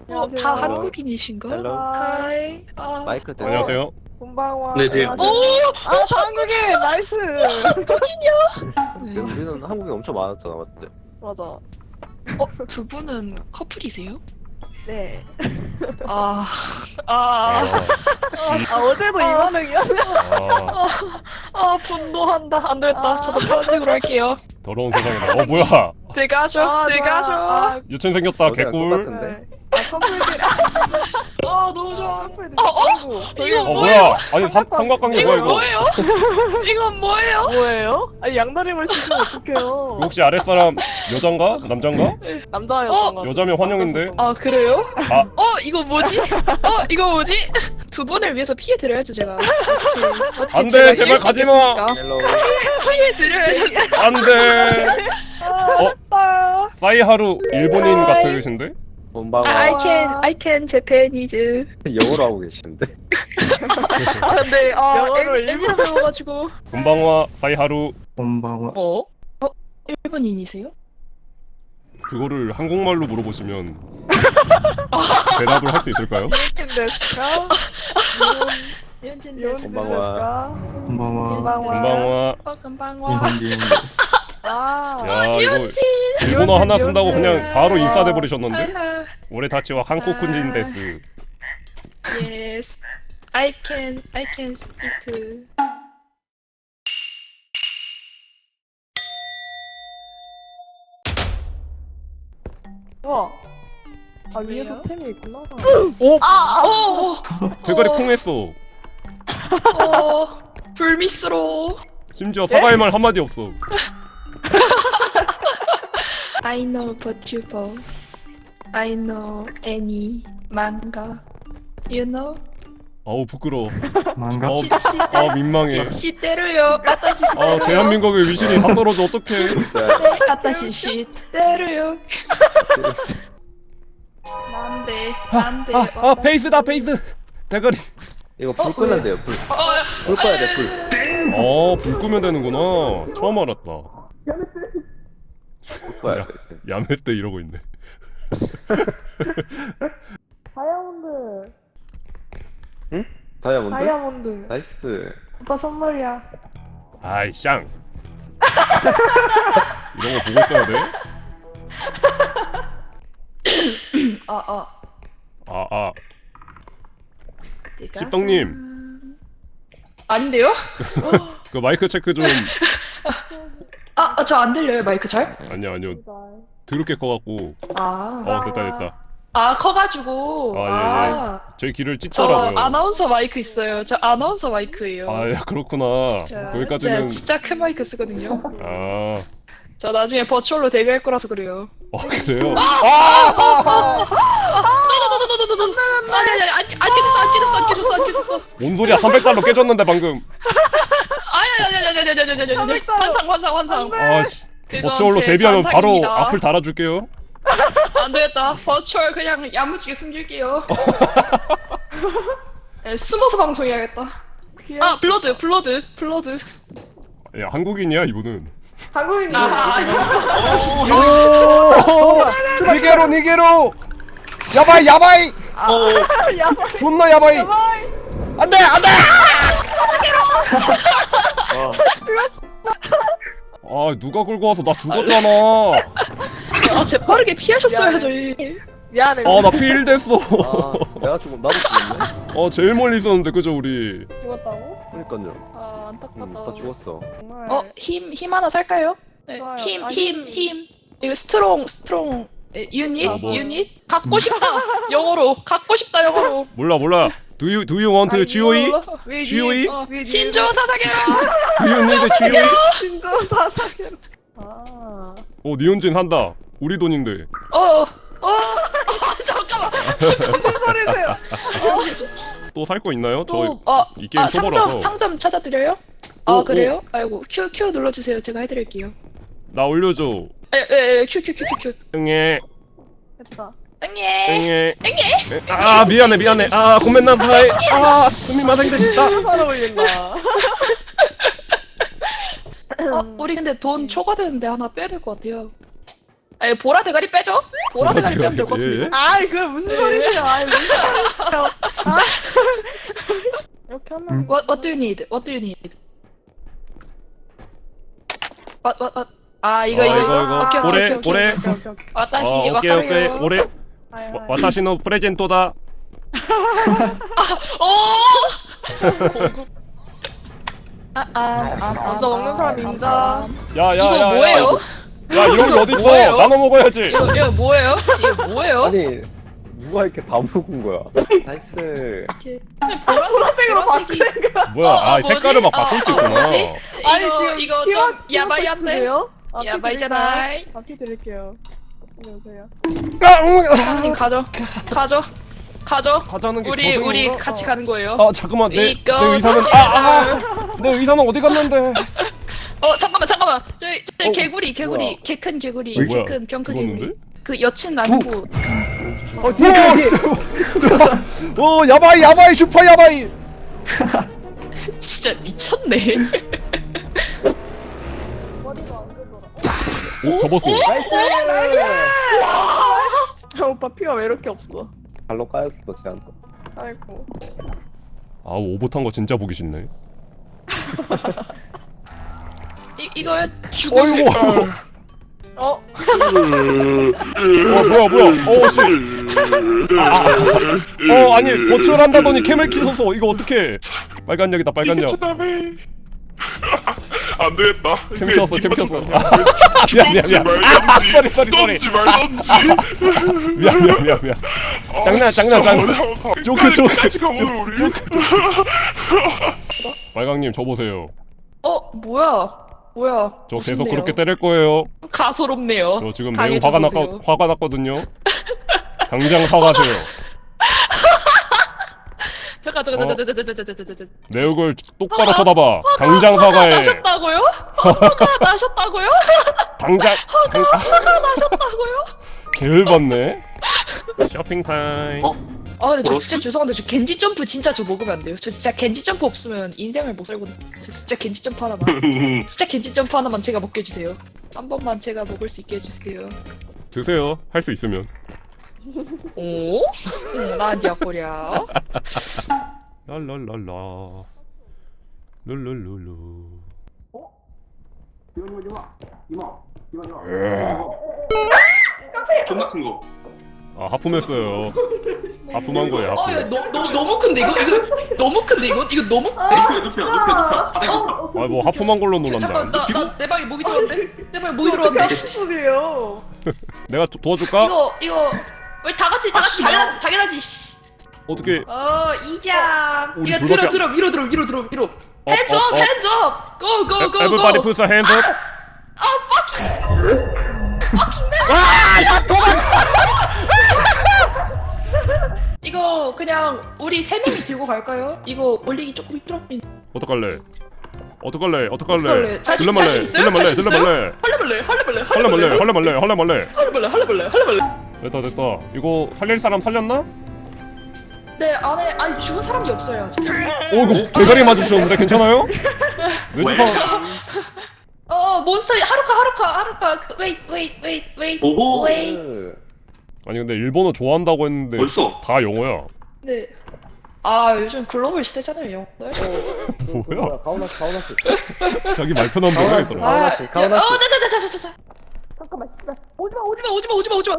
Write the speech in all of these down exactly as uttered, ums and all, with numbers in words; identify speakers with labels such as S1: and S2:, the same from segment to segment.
S1: 어,
S2: 안녕하세요.
S1: 다 한국인이신가?
S3: 헬로.
S1: 하이. 아,
S3: 마이크 대세요.
S4: 안녕하세요.
S2: 곤방와.
S5: 네, 지금-
S2: 안녕하세요. 아, 다 한국인! 나이스!
S1: 네.
S3: 우리는 한국에 엄청 많았잖아, 맞지?
S2: 맞아.
S1: 어, 두 분은 커플이세요?
S2: 네.
S1: 아, 아,
S4: 아,
S2: 아, 어제도 이 반응이었네.
S4: 아,
S1: 아, 분노한다. 안 되겠다. 저도 파란색으로 할게요.
S4: 더러운 세상이다. 어 뭐야?
S1: 들어가죠.
S2: 아,
S1: 들어가죠.
S2: 좋아.
S1: 아,
S4: 유천 생겼다.
S3: 어제랑
S4: 개꿀.
S3: 똑같은데?
S2: 네. 아, 커플들이.
S1: 너무 좋아.
S2: 커플들이.
S1: 어, 어?
S2: 아이고,
S1: 이거
S2: 저희가
S4: 어
S1: 뭐예요?
S4: 뭐야? 아니 삼, 삼각관계 뭐야
S1: 이건
S4: 이거?
S1: 뭐예요? 이건 뭐예요?
S2: 뭐예요? 아니, 양다리를 치시면 어떡해요.
S4: 혹시 아랫사람 여잔가? 남잔가?
S2: 남자였던 것
S4: 여자면 환영인데?
S1: 아, 그래요?
S4: 아.
S1: 어, 이거 뭐지? 어, 이거 뭐지? 두 분을 위해서 피해 드려야죠, 제가. 어떻게, 어떻게
S4: 안 돼,
S1: 제가
S4: 제발
S1: 이길 수
S4: 가지 마.
S1: 있겠습니까?
S3: 헬로.
S1: 피해 드려야죠.
S4: 안돼.
S1: 아,
S4: 어?
S1: 아쉽다.
S4: 사이하루 일본인
S1: 하이.
S4: 같으신데?
S3: 본방와
S1: I can, I can Japanese.
S3: 영어로 하고 계시는데?
S1: 아, 근데 아,
S2: 영어로
S1: 애니, 애니를 배워가지고.
S4: 곤방와 사이하루.
S5: 곤방와.
S1: 어? 어? 일본인이세요?
S4: 그거를 한국말로 물어보시면 대답을 할 수 있을까요?
S2: 이렇게 됐을까?
S1: 일본인
S2: 이런
S1: 데스.
S3: 곤방와.
S5: 곤방와.
S4: 곤방와.
S1: 어, 금방와.
S5: 일본인.
S2: 아,
S4: 야 이거
S1: 일본인.
S4: 일본어 하나
S2: 일본인,
S4: 쓴다고
S2: 일본인.
S4: 그냥 바로 인싸돼 버리셨는데?
S1: 하하.
S4: 올해 다치와 한국군인 데스.
S1: Yes. I can, I can speak.
S2: 우와. 아,
S1: 왜요?
S2: 위에도 템이 있구나.
S4: 오!
S1: 아, 어,
S4: 대가리
S1: 어.
S4: 퐁했어.
S1: 어, 불미스러워.
S4: 심지어 사과의 말 한마디 없어.
S1: I know VTuber. I know any manga. You know?
S4: 아우 부끄러워.
S5: 망가.
S4: 어,
S1: 시,
S4: 아 민망해.
S1: 시, 시대로요. 아따시
S4: 아
S1: 시대로요.
S4: 대한민국의 위신이 다 떨어져 어떡해.
S3: 진짜.
S1: 네, 아따시 시대로요. 난데, 난데.
S4: 아, 아 페이스다 페이스. 대가리.
S3: 이거 불
S1: 어,
S3: 끄면 돼요, 불.
S1: 어,
S3: 불 꺼야 돼, 불.
S4: 어, 불 끄면 되는구나. 처음 알았다.
S3: 불 꺼야 돼, 이제.
S4: 야매 때 이러고 있네.
S2: 다이아몬드.
S3: 다이아몬드?
S2: 다이아몬드.
S3: 나이스.
S2: 오빠 선물이야.
S4: 아이 쌍. 이런 거 보고 있어야 돼?
S1: 아, 아.
S4: 아, 아.
S1: 네가
S4: 십덕님.
S1: 산- 아닌데요?
S4: 그 마이크 체크 좀.
S1: 아, 아 저 안 들려요 마이크 잘?
S4: 아니요, 아니요. 드럽게 커갖고.
S1: 아,
S4: 어, 됐다, 됐다.
S1: 아 커가지고.
S4: 아, 예,
S1: 아,
S4: 저희 귀를
S1: 저
S4: 찢더라고요.
S1: 아나운서 마이크 있어요. 저 아나운서 마이크예요.
S4: 아, 야, 그렇구나.
S1: 제가
S4: 거기까지는.
S1: 진짜 큰 마이크 쓰거든요.
S4: 아,
S1: 저 나중에 버추얼로 데뷔할 거라서 그래요.
S4: 어, 그래요?
S1: 아니 아니 아니 안 깨졌어 안 깨졌어 안 깨졌어 안 깨졌어.
S4: 뭔 소리야? 삼백 달러 깨졌는데 방금.
S1: 아니 아니 아니 아니 아니 아니 아니 아니 환상 환상 환상.
S4: 아, 씨.
S1: 그건
S4: 버추얼로
S1: 제
S4: 데뷔하면 바로
S1: 잔상입니다.
S4: 악플 달아줄게요.
S1: 안 되겠다. 버추얼 그냥 야무지게 숨길게요. 네, 숨어서 방송해야겠다. 아 블러드 블러드 블러드.
S4: 야, 한국인이야 이분은.
S2: 한국인이.
S1: 아
S4: 오! 니게로 니게로. 야바이 야바이.
S2: 야바이.
S4: 존나 야바이.
S2: 야바이.
S4: 안돼 안돼. 아 누가 끌고 와서 나 죽었잖아.
S1: 아, 재빠르게 피하셨어야죠.
S2: 미안해.
S4: 아 나 필 됐어.
S3: 아, 내가 죽음, 나도 죽었네.
S4: 어 제일 멀리 있었는데 그죠 우리.
S2: 죽었다고?
S3: 그러니까요.
S1: 아,
S3: 응,
S1: 안타깝다.
S3: 다 죽었어.
S2: 정말.
S1: 어, 힘, 힘 하나 살까요? 네,
S2: 좋아요.
S1: 힘,
S2: 아니.
S1: 힘, 힘. 이거 스트롱, 스트롱. 에, 유닛,
S4: 아, 뭐.
S1: 유닛. 갖고 싶다. 영어로. 갖고 싶다 영어로.
S4: 몰라 몰라. Do you do you want 지오이?
S1: 몰라.
S2: 위기.
S4: 지오이?
S1: 어,
S2: 위기.
S1: 신조 사사게라.
S4: Do you need 지오이?
S2: 신조 사사계로. 아.
S4: 어 니은진 산다. 우리 돈인데.
S1: 어, 어. 잠깐만.
S2: 무슨 소리세요?
S4: 또 살 거 있나요? 저
S1: 또, 어,
S4: 이 게임
S1: 아, 상점,
S4: 초보라서.
S1: 상점 찾아드려요? 아,
S4: 오,
S1: 그래요? 아이고, Q, Q 눌러주세요. 제가 해드릴게요.
S4: 나 올려줘.
S1: 에, 에, 에, Q, Q, Q, Q, Q.
S4: 응애
S2: 됐다.
S1: 응예.
S4: 응애. 아 미안해 미안해. 아 고멘나사이. 아 스미마셍 되시다.
S2: 사러 올린다.
S1: 어, 우리 근데 돈 초과되는데 하나 빼야 될 것 같아요. 아니 보라 대가리 빼죠? 보라 대가리 빼면 될 것 같은데.
S4: 예?
S2: 아이 그 무슨 소리세요? 아이 무슨 소리세요? 아. 이렇게 하면
S1: What What do you need? What do you need? What What What? 아 이거
S4: 아,
S1: 이거
S4: 이거, 이거.
S1: 오케이, 오케이,
S4: 오래,
S1: 오케이, 오케이.
S4: 오래.
S2: 오케이, 오케이, 오케이.
S1: 와타시
S4: 어, 오케이 오케이
S1: 와타요.
S4: 오래
S2: 아이, 아이.
S4: 와타시노 프레젠토다.
S1: 오. 고급. 아, 아, 아,
S2: 먼저 먹는 사람 인자.
S4: 야야야
S1: 이거 뭐예요?
S4: 야 이런 게 어딨어?
S1: 뭐예요?
S4: 나눠 먹어야지.
S1: 이거 이거 뭐예요? 이거 뭐예요?
S3: 아니 누가 이렇게 다 먹은 거야? 나이스.
S1: 이렇게 보라색
S2: 보라색으로
S1: 보라색이.
S2: 바꾸는 거.
S4: 뭐야? 아
S1: 뭐지?
S4: 색깔을 막
S1: 어,
S4: 바꿀 수
S1: 어,
S4: 있구나.
S1: 뭐지?
S2: 아니
S1: 이거
S2: 지금
S1: 이거
S2: 키워-
S1: 좀
S2: 키워고
S1: 야바이한데.
S2: 싶으세요? 아, 피
S1: 야바이잖아.
S2: 드릴까요? 아, 피 드릴게요. 이리 오세요.
S4: 아, 응.
S1: 형님 가져. 가져. 가져.
S4: 가자는 게
S1: 우리
S4: 고생인가?
S1: 우리 같이 가는 거예요.
S4: 아 잠깐만 내,
S1: 이거
S4: 내 의사는 아아내 의사는 어디 갔는데?
S1: 어 잠깐만 잠깐만. 저희 저희
S3: 어,
S1: 개구리 개구리
S3: 뭐야?
S1: 개 큰 개구리
S4: 어, 뭐야?
S1: 개큰 병큰 개구리.
S4: 죽었는데?
S1: 그 여친 아니고
S3: 어 뒤에 뒤에.
S4: 오 야바이 야바이 슈퍼 야바이.
S1: 진짜 미쳤네.
S2: 머리가 안 되더라.
S4: 오 접었어.
S3: 나이스.
S2: 아, 오빠 피가 왜 이렇게 없어?
S3: 발로 까였어 쟤한테.
S2: 아이고.
S4: 아 오붓한 거 진짜 보기 싫네.
S1: 이 이거 죽으세요.
S4: 어이구.
S2: 어?
S4: 어 뭐야 뭐야. 어 씨. 아, 아. 어 아니 보출한다더니 캠을 키웠어. 이거 어떡해. 빨간 약이다 빨간 약.
S5: 안 되겠다.
S4: 캠 켰어 캠 켰어. 미안 미안 미안. 쏘리 쏘리 쏘리.
S5: 던지 말던지.
S4: 미안 미안 미안 미안. 장난 장난 장난. 조크 조크
S5: 같이 가보자 우리.
S4: 빨강님 저 보세요.
S1: 어 뭐야 뭐야.
S4: 저 계속
S1: 무섭네요.
S4: 그렇게 때릴 거예요.
S1: 가소롭네요.
S4: 저 지금 매우
S1: 당해줘서
S4: 화가 났
S1: 오세요.
S4: 화가 났거든요. 당장 사과하세요.
S1: 잠깐 잠깐
S4: 어?
S1: 잠깐 잠깐 잠깐 잠깐 잠깐 잠깐.
S4: 내 얼굴 똑바로 쳐다봐. 당장 사과해.
S1: 나셨다고요? 화가 나셨다고요?
S4: 당장. 당...
S1: 화가 나셨다고요?
S4: 개열받네. 쇼핑 타임.
S1: 어? 아 근데 저 진짜 죄송한데 저 겐지 점프 진짜 저 먹으면 안 돼요. 저 진짜 겐지 점프 없으면 인생을 못 살거든요. 저 진짜 겐지 점프 하나만. 진짜 겐지 점프 하나만 제가 먹게 해주세요. 한 번만 제가 먹을 수 있게 해주세요.
S4: 드세요. 할 수 있으면.
S1: 오? 응, 나디야 꼬랴.
S4: 랄랄랄라. 룰룰룰루.
S5: 존나 큰 거.
S4: 아 하품했어요. 하품한 거예요.
S1: 어,
S4: 하품.
S1: 야, 너, 너, 너무 큰데 이거? 이거 너무 큰데 이거? 이거 너무
S5: 눕혀 눕혀 눕혀 눕혀. 바닥에 눕혀.
S4: 아뭐 하품한 걸로
S1: 잠깐
S4: 놀란다.
S1: 나 나 내 방에 모기 들어왔는데? 내 방에 모기
S2: 어떻게
S1: 들어왔는데?
S2: 하는 소리예요?
S4: 내가 도, 도와줄까?
S1: 이거 이거 우리 다 같이 다 같이
S5: 아,
S1: 당연하지 당연하지. 씨.
S4: 어떻게?
S1: 어 이장.
S4: 우리
S1: 이거
S4: 둘밖에
S1: 들어
S4: 안-
S1: 들어 위로 들어 위로 들어 위로.
S4: 업,
S1: Hands
S4: 업,
S1: up,
S4: 업.
S1: hands up. Go go go
S4: Everybody
S1: go.
S4: put their hands up.
S1: 이거 그냥 우리 세 명이 들고 갈까요? 이거 올리기 조금 힘들었긴.
S4: 어떡할래? 어떡할래? 어떡할래?
S1: 어떡할래? 자신-
S4: 들려말래?
S1: 자신 있어요?
S4: 들려말래?
S1: 자신 있어요?
S4: 들려말래?
S1: 할래볼래 할래볼래
S4: 할래말래? 할래말래? 할래말래?
S1: 할래볼래 할래볼래 할래볼래.
S4: 됐다 됐다. 이거 살릴 사람 살렸나?
S1: 네 안에 아니 죽은 사람이 없어요 아직.
S4: 오 이거 대가리 맞으셨는데 괜찮아요? 왜 좋다.
S1: 어 몬스터 하루카 하루카 하루카 그, wait wait wait wait
S5: 오호.
S1: wait.
S4: 아니 근데 일본어 좋아한다고 했는데
S5: 벌써?
S4: 다 영어야.
S1: 네. 아 요즘 글로벌 시대잖아요 영들.
S4: 뭐야?
S3: 가오나스 가오나스.
S4: 자기 말 편한 대로
S3: 가오나스.
S4: 했더라.
S3: 가오나시, 가오나시.
S1: 어 자자자자자자. 잠깐만 씨발. 오지마 오지마 오지마 오지마 오지마.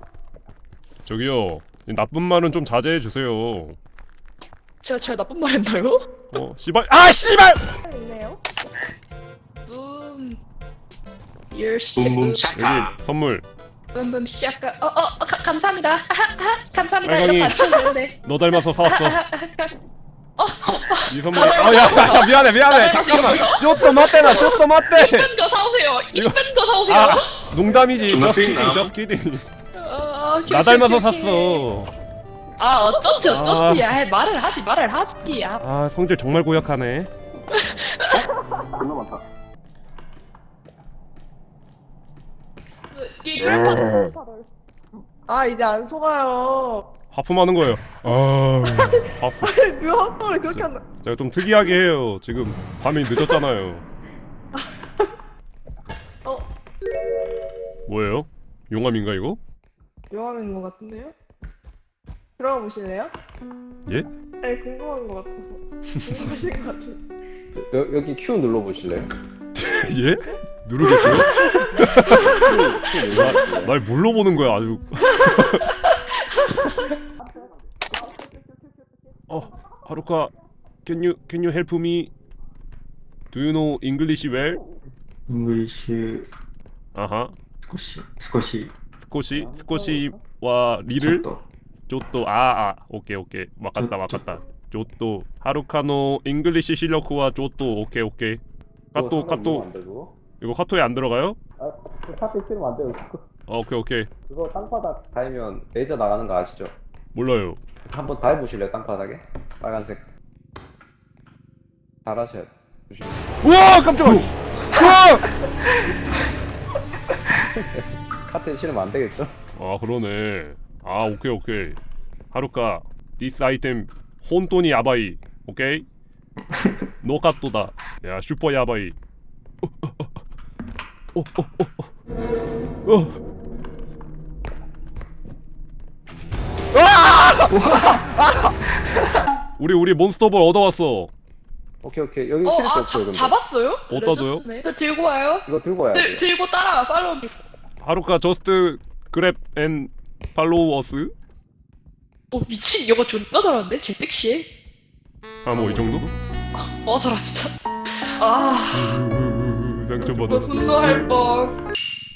S4: 저기요. 이 나쁜 말은 좀 자제해 주세요.
S1: 제가 제가 나쁜 말 했나요?
S4: 어 씨발. 아 씨발.
S2: 있네요.
S1: 붐. You're
S5: 붐붐
S1: sick.
S5: 샤카.
S4: 여기 선물.
S1: 붐붐 시작가. 어어 어, 가- 감사합니다. 하하 감사합니다.
S4: 빨강이.
S1: 이렇게 안 쳐도 되는데.
S4: 너 닮아서 사왔어.
S1: 어,
S4: 이 선물. 어야 미안해 미안해.
S1: 나
S4: 잠깐만.
S1: 닮았어,
S4: 쪼또 맞대나 쪼또 맞대.
S1: 이쁜 거 사오세요.
S4: 이거-
S1: 이쁜 거 사오세요.
S4: 아 농담이지.
S5: 존나
S4: just
S5: 쓰인다.
S4: kidding, just kidding.
S1: 어, 오케이,
S4: 나
S1: 오케이,
S4: 닮아서
S1: 오케이,
S4: 샀어.
S1: 오케이. 아 어쩐지 어쩐지. 아 말을 하지 말을 하지. 아
S4: 아 성질 정말 고약하네.
S5: 존나 많다.
S1: 이 그래프
S2: 아 이제 안 속아요.
S4: 하품하는 거예요. 아 하품.
S2: 누가 한번을 그렇게 한다.
S4: 제가 좀 특이하게 해요. 지금 밤이 늦었잖아요.
S2: 어
S4: 뭐예요? 용암인가 이거?
S2: 용암인 것 같은데요? 들어가 보실래요?
S4: 예?
S2: 네, 궁금한 것 같아서. 궁금하신 것 같아요.
S3: 여, 여기 Q 눌러보실래요?
S4: 예? 누르겠어요?
S3: Q 눌러보실래요?
S4: 날 뭘로 보는 거야 아주. 어, 하루카, can you can you help me? Do you know English well?
S6: イングリッシュ
S4: 아하,
S6: 少し少し
S4: 스코시 스코시와
S6: ちょっ
S4: 리를
S6: と
S4: 조또 아아 오케이 오케이 와갔다 와갔다. 조또 하루카노 잉글리시 실력과 조또 오케이 오케이. 카토 카토
S3: 안 돼, 그거?
S4: 이거 카토에 안 들어가요?
S3: 아, 그 카페 쓰면 안 돼요. 그거.
S4: 어, 오케이 오케이.
S3: 그거 땅바닥 닿으면 레이저 나가는 거 아시죠?
S4: 몰라요.
S3: 한번 다 해보실래요? 땅바닥에? 빨간색. 잘하셔야 돼. 조심히.
S4: 우와 깜짝아. 우와!
S3: 카트에 실으면 안 되겠죠?
S4: 아 그러네. 아 오케이 오케이. 하루카 this item 혼돈이 야바이. 오케이. 노카토다. 야 슈퍼 야바이. 어, 어, 어, 어, 어. 우리 우리 몬스터볼 얻어왔어.
S3: 오케이 오케이 여기
S1: 어,
S3: 실을 데
S1: 아,
S3: 없어요.
S1: 자,
S3: 근데.
S1: 잡았어요?
S4: 어디다 둬요?
S1: 네. 그 들고 와요.
S3: 이거 들고 와야
S1: 들,
S3: 돼.
S1: 들고 따라와, 팔로우.
S4: 하루카 저스트 그랩 앤 팔로우 어스.
S1: 어, 미친, 영어 존나 잘하는데? 개뜩시해.
S4: 아 뭐 이 정도?
S1: 어, 잘하 진짜. 아,
S4: 상처
S1: 너
S4: 받았어.
S1: 분노할 뻔.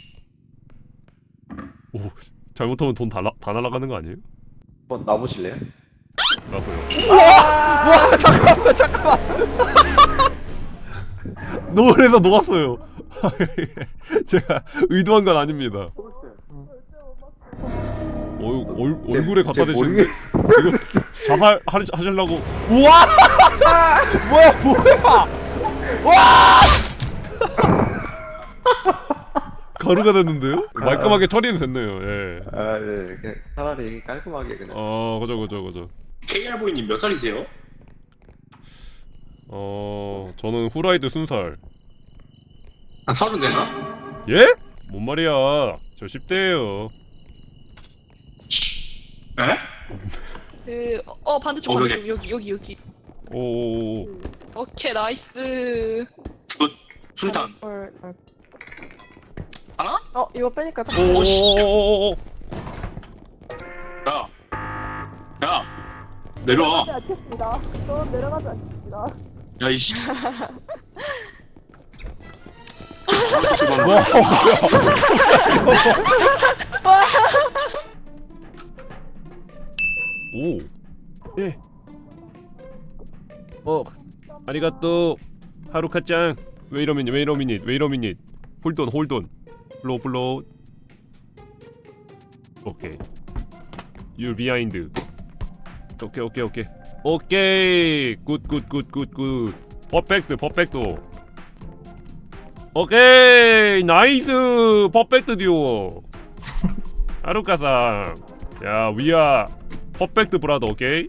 S4: 오 잘못하면 돈 다 다 날아가는 거 아니에요?
S3: 한번 놔보실래요?
S4: 나서요. 와 잠깐만 잠깐만. 노을에서 녹았어요. 제가 의도한 건 아닙니다. 어, 얼, 얼굴에 갖다
S3: 제
S4: 대시는데 이거 자살 하, 하시려고. 우와! 뭐야 뭐야? 와! 가루가 됐는데요? 말끔하게 처리는 됐네요. 예.
S3: 아, 네, 이렇게 차라리 깔끔하게 그냥.
S4: 어 그죠 그죠 그죠.
S5: 케이알보이님 몇 살이세요?
S4: 어 저는 후라이드 순살.
S5: 한 서른 되나?
S4: 예? 뭔 말이야? 저 십 대예요.
S5: 에?
S1: 그, 어, 반대쪽,
S5: 어,
S1: 반대쪽. 여기, 여기, 여기.
S4: 오오오.
S1: 오케이, 나이스.
S5: 그거 수류탄
S2: 헐, 헐.
S5: 하나?
S2: 어, 이거 빼니까 딱.
S5: 오, 씨.
S4: 오오오오.
S5: 야, 야, 내려와.
S2: 않겠습니다. 저 내려가지 않겠습니다.
S5: 야 이씨.
S4: 와. 오. 예. 어. 아리가또 하루카짱. 왜 이러미니? 왜 이러미니? 왜 이러미니? 홀돈 홀돈. 블로 블로. 오케이. You behind. 오케이 오케이 오케이. 오케이. 굿굿굿굿굿. 퍼펙트 퍼펙트. 오케이. 나이스. 퍼펙트 듀오. 하루카상. 야, 위아 퍼펙트 브라더. 오케이.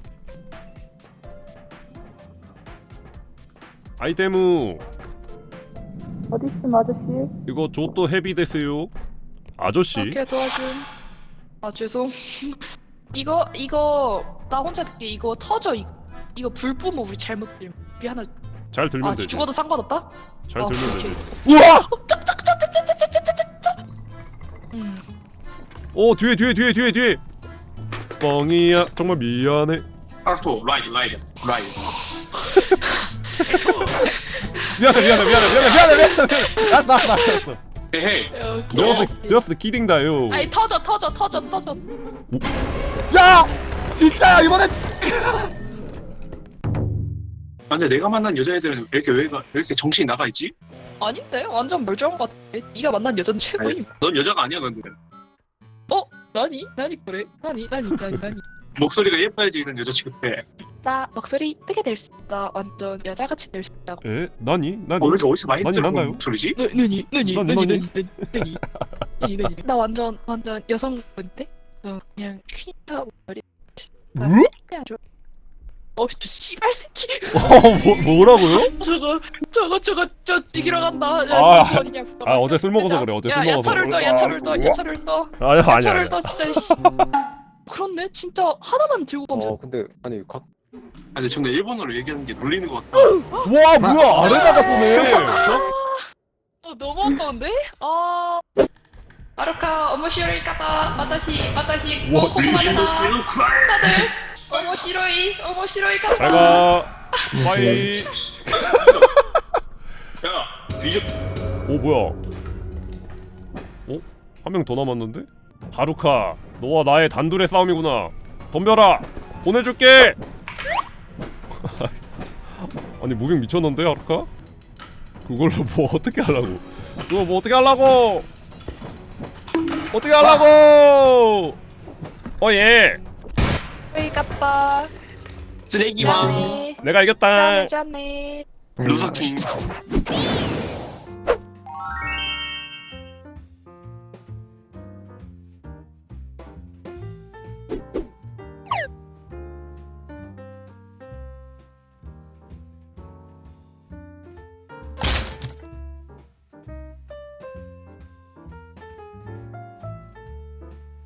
S4: 아이템은
S2: 어디 있음 아저씨?
S4: 이거 조또 헤비 됐어요. 아저씨.
S1: 오케이, 도와줌. 아, 죄송. 이거, 이거, 나 혼자 듣기 이거 터져, 이거. 이거 불 뿜어, 우리 잘못 들면. 우리 하나.
S4: 잘 들면
S1: 아,
S4: 되지.
S1: 죽어도 상관없다?
S4: 잘
S1: 아,
S4: 들면
S1: 오케이.
S4: 되지. 우와!
S1: 음.
S4: 오 뒤에 뒤에 뒤에 뒤에 뒤에. 뻥이야. 정말 미안해.
S5: 아르토 라이드 라이드 라이드.
S4: 미안해 미안해 미안해 미안해 미안해 미안해. 알았어 알았어 알았어.
S5: 헤헤이.
S1: 오케이.
S4: just just kidding 다요.
S1: 아니, 터져, 터져, 터져, 터져.
S4: 야! 진짜야 이번엔.
S5: 아, 근데 내가 만난 여자애들은 왜 이렇게 왜, 왜 이렇게 정신이 나가 있지?
S1: 아닌데? 완전 멀쩡한 것 같은데? 네가 만난 여자는 최고임.
S5: 넌 여자가 아니야, 근데.
S1: 나니? 나니 그래? 나니? 나니? 나니? 나니?
S5: 목소리가 예뻐야지 이런 여자 취급해.
S1: 나 목소리 크게 낼 수 있다. 완전 여자같이 낼 수 있다고.
S4: 에? 나니? 나니?
S5: 어, 왜 이렇게 어디서 많이
S4: 많이
S5: 들어본
S4: 났나요?
S5: 목소리지?
S1: 네, 너니? 너니?
S4: 너니,
S1: 너니?
S4: 너니?
S1: 너니? 너니? 너니? 너니? 나 완전 완전 여성분인데? 저 그냥 퀸하고 머리
S4: 뭐?
S1: 그냥 저 어, 저 씨발 새끼.
S4: 어 뭐, 뭐라고요?
S1: 저거 저거 저거 저거 저 죽이러 간다. 야,
S4: 아,
S1: 무슨 어디냐.
S4: 아 어제 술 먹어서
S1: 자,
S4: 그래 어제
S1: 야,
S4: 술 먹어서
S1: 야차를
S4: 그래.
S1: 떠 야차를 떠 야차를 떠
S4: 아니야 아니야
S1: 야차를
S4: 아니야
S1: 떠 진짜 씨. 그렇네 진짜 하나만 들고 가면
S3: 어 근데 아니 각
S5: 아 근데 정말 일본어로 얘기하는 게 놀리는 것 같아.
S4: 와 뭐야 아래다가 쏘네
S1: 어, 너무 아까운데? 아 아루카 오모시로이까다 마다시 마다시
S4: 우와,
S1: 고고마데다
S5: 블루크라이.
S1: 다들 오모시로이 오모시로이까다
S4: 잘가 빠이
S5: 야 뒤져.
S4: 오 뭐야 어? 한 명 더 남았는데? 바루카 너와 나의 단둘의 싸움이구나 덤벼라 보내줄게 아니 무빙 미쳤는데 하루카? 그걸로 뭐 어떻게 하려고 그거 뭐 어떻게 하려고 어떻게 하려고 어예
S1: 로이까다
S5: 쓰레기왕.
S1: 미안해
S4: 내가 이겼다
S1: 미안해 미안해
S5: 루사킹.